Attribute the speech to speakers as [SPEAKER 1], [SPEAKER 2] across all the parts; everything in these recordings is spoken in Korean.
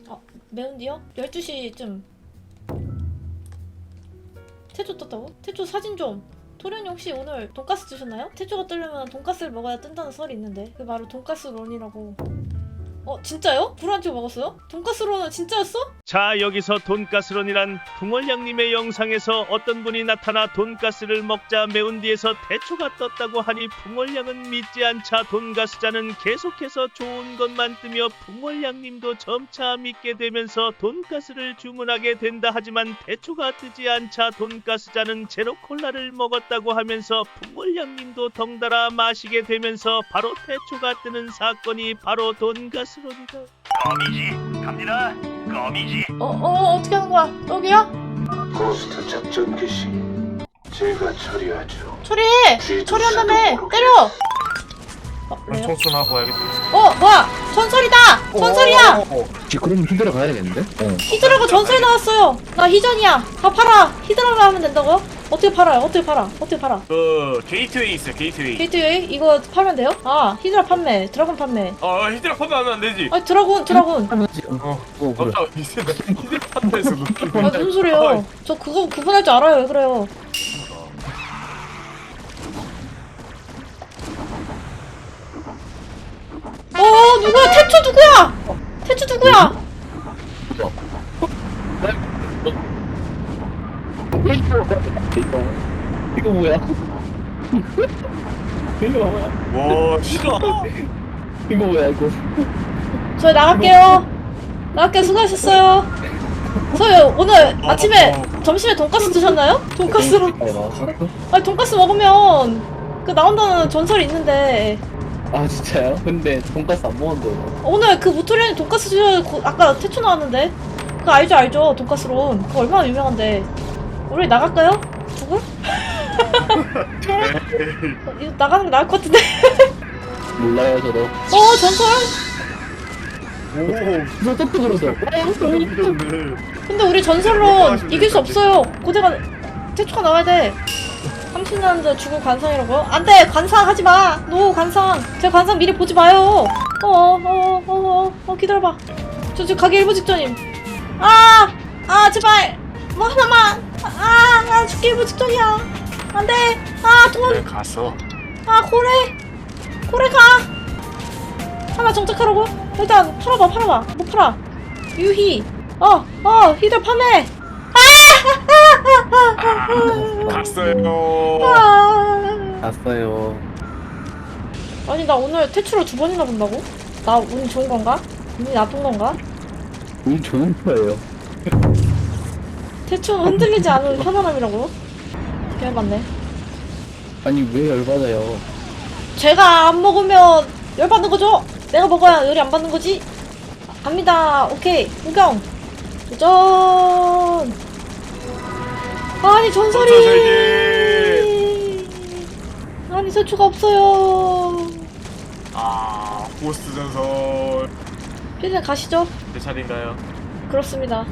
[SPEAKER 1] 매운디요? 12시쯤 태초 떴다고? 태초 사진 좀. 토련이 혹시 오늘 돈가스 드셨나요? 태초가 뜨려면 돈가스를 먹어야 뜬다는 설이 있는데 그게 바로 돈가스 런이라고. 진짜요? 불안치고 먹었어요? 돈가스 런은 진짜였어?
[SPEAKER 2] 자, 여기서 돈가스런이란 풍월양님의 영상에서 어떤 분이 나타나 돈가스를 먹자 매운디에서 태초가 떴다고 하니 풍월양은 믿지 않자 돈가스자는 계속해서 좋은 것만 뜨며 풍월양님도 점차 믿게 되면서 돈가스를 주문하게 된다. 하지만 태초가 뜨지 않자 돈가스자는 제로콜라를 먹었다고 하면서 풍월양님도 덩달아 마시게 되면서 바로 태초가 뜨는 사건이 바로 돈가스런이다.
[SPEAKER 3] 거미지 갑니다. 거미지.
[SPEAKER 1] 어떻게 하는 거야? 여기야?
[SPEAKER 4] 고스트 작전 개시 제가 처리하죠.
[SPEAKER 1] 처리해! 처리한다며! 때려! 왜요?
[SPEAKER 5] 총수나 봐야겠다.
[SPEAKER 1] 뭐야! 전설이다! 전설이야!
[SPEAKER 6] 그럼 힘들어 가야 되겠는데?
[SPEAKER 1] 히드라가 전설이 나왔어요! 나 희전이야! 다 팔아! 히드라로 하면 된다고요? 어떻게 팔아요? 어떻게 팔아?
[SPEAKER 5] 게이트웨이 있어요. 게이트웨이.
[SPEAKER 1] 게이트웨이? 이거 팔면 돼요? 히드라 판매, 드라곤 판매.
[SPEAKER 5] 히드라 판매하면 안 되지.
[SPEAKER 1] 드라곤!
[SPEAKER 6] 그래.
[SPEAKER 5] 깜짝 히드라 판매에서
[SPEAKER 1] 무슨 소리예요? 저 그거 구분할 줄 알아요. 왜 그래요? 누구야? 태초 누구야? 태초 누구야?
[SPEAKER 6] 이거 뭐야? 이거 뭐야?
[SPEAKER 5] 와, 싫어.
[SPEAKER 6] 이거 뭐야 이거?
[SPEAKER 1] 저희 나갈게요. 수고하셨어요. 저희 오늘 아침에 점심에 돈가스 드셨나요? 돈가스로. 아니 돈가스 먹으면 그 나온다는 전설이 있는데
[SPEAKER 6] 아 진짜요? 근데 돈가스 안 먹었는데.
[SPEAKER 1] 오늘 그 무토리안이 돈가스 아까 태초 나왔는데 그거 알죠? 돈가스론 그거 얼마나 유명한데. 우리 나갈까요? 누구? 이거 나가는 게 나을 것 같은데.
[SPEAKER 6] 몰라요 저도.
[SPEAKER 1] 전설?
[SPEAKER 6] 저 떡도 그러죠.
[SPEAKER 1] 근데 우리 전설론 이길 수 없어요. 고대가 태초가 나와야 돼. 30년째 죽을 관상이라고요? 안돼! 관상 하지마! 노 관상! 제 관상 미리 보지 마요! 기다려봐. 저 지금 가기 일부 직전임. 제발! 뭐 하나만! 나 죽기 일부 직전이야. 안돼! 도망!
[SPEAKER 5] 갔어.
[SPEAKER 1] 고래 가! 하나 정착하라고? 일단 팔아봐. 뭐 팔아? 유희! 히들 판매!
[SPEAKER 5] 갔어요.
[SPEAKER 6] 갔어요.
[SPEAKER 1] 아니 나 오늘 태초를 2번이나 본다고? 나 운이 좋은 건가? 운이 나쁜 건가?
[SPEAKER 6] 운 좋은 거예요.
[SPEAKER 1] 태초는 흔들리지 않은 편안함이라고요? 개맞네.
[SPEAKER 6] 아니 왜 열받아요?
[SPEAKER 1] 제가 안 먹으면 열받는 거죠? 내가 먹어야 열이 안 받는 거지? 갑니다. 오케이. 구경. 도전. 아니 전설이. 아니 태초가 없어요.
[SPEAKER 5] 고스트 전설.
[SPEAKER 1] 피디님 가시죠.
[SPEAKER 5] 제 차례인가요?
[SPEAKER 1] 그렇습니다.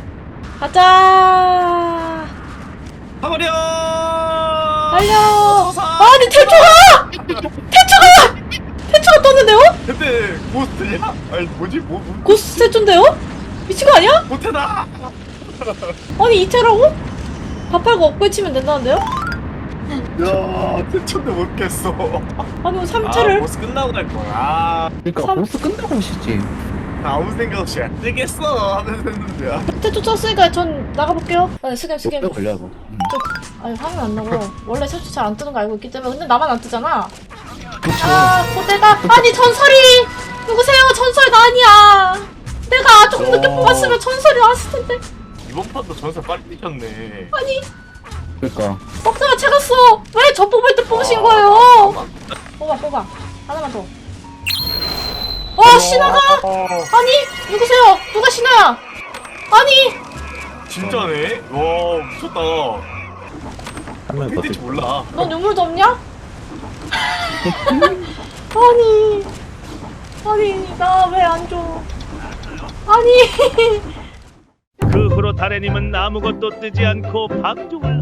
[SPEAKER 1] 가자.
[SPEAKER 5] 가버려.
[SPEAKER 1] 달려.
[SPEAKER 5] 서사.
[SPEAKER 1] 아니 태초가 떴는데요?
[SPEAKER 5] 근데 고스트냐? 아니 뭐지?
[SPEAKER 1] 고스트 태초인데요? 미친 거 아니야?
[SPEAKER 5] 못해다.
[SPEAKER 1] 아니 이태라고? 밥 팔고 업글 치면 된다는데요?
[SPEAKER 5] 야, 태초인데 못 깼어.
[SPEAKER 1] 아니 뭐 3채를?
[SPEAKER 5] 보스 끝나고 갈 거야.
[SPEAKER 6] 그러니까
[SPEAKER 1] 삼-
[SPEAKER 6] 보스 끝나고 오시지.
[SPEAKER 5] 아무 생각 없이 안 되겠어 하면서 했는데야.
[SPEAKER 1] 태초 쳤으니까 전 나가볼게요. 아니 스캠
[SPEAKER 6] 몇 걸려 이거.
[SPEAKER 1] 아니 화면 안 나고 원래 태초 잘 안 뜨는 거 알고 있기 때문에 근데 나만 안 뜨잖아.
[SPEAKER 6] 그쵸.
[SPEAKER 1] 고대가 아니 전설이 누구세요? 전설 나 아니야. 내가 조금 늦게 뽑았으면 전설이 나왔을 텐데.
[SPEAKER 5] 이번 판도 전설 빨리 뛰셨네.
[SPEAKER 1] 아니
[SPEAKER 6] 그러니까.
[SPEAKER 1] 먹다가 채갔어. 왜 저 뽑을 때 뽑으신 거예요? 뽑아 하나만 더. 신화가? 아니 누구세요? 누가 신화야? 아니
[SPEAKER 5] 진짜네? 와, 미쳤다.
[SPEAKER 6] 한명
[SPEAKER 5] 팬인지 몰라.
[SPEAKER 1] 너 눈물도 없냐? 아니 나 왜 안 줘? 아니
[SPEAKER 2] 그 후로 다래님은 아무것도 뜨지 않고 방종을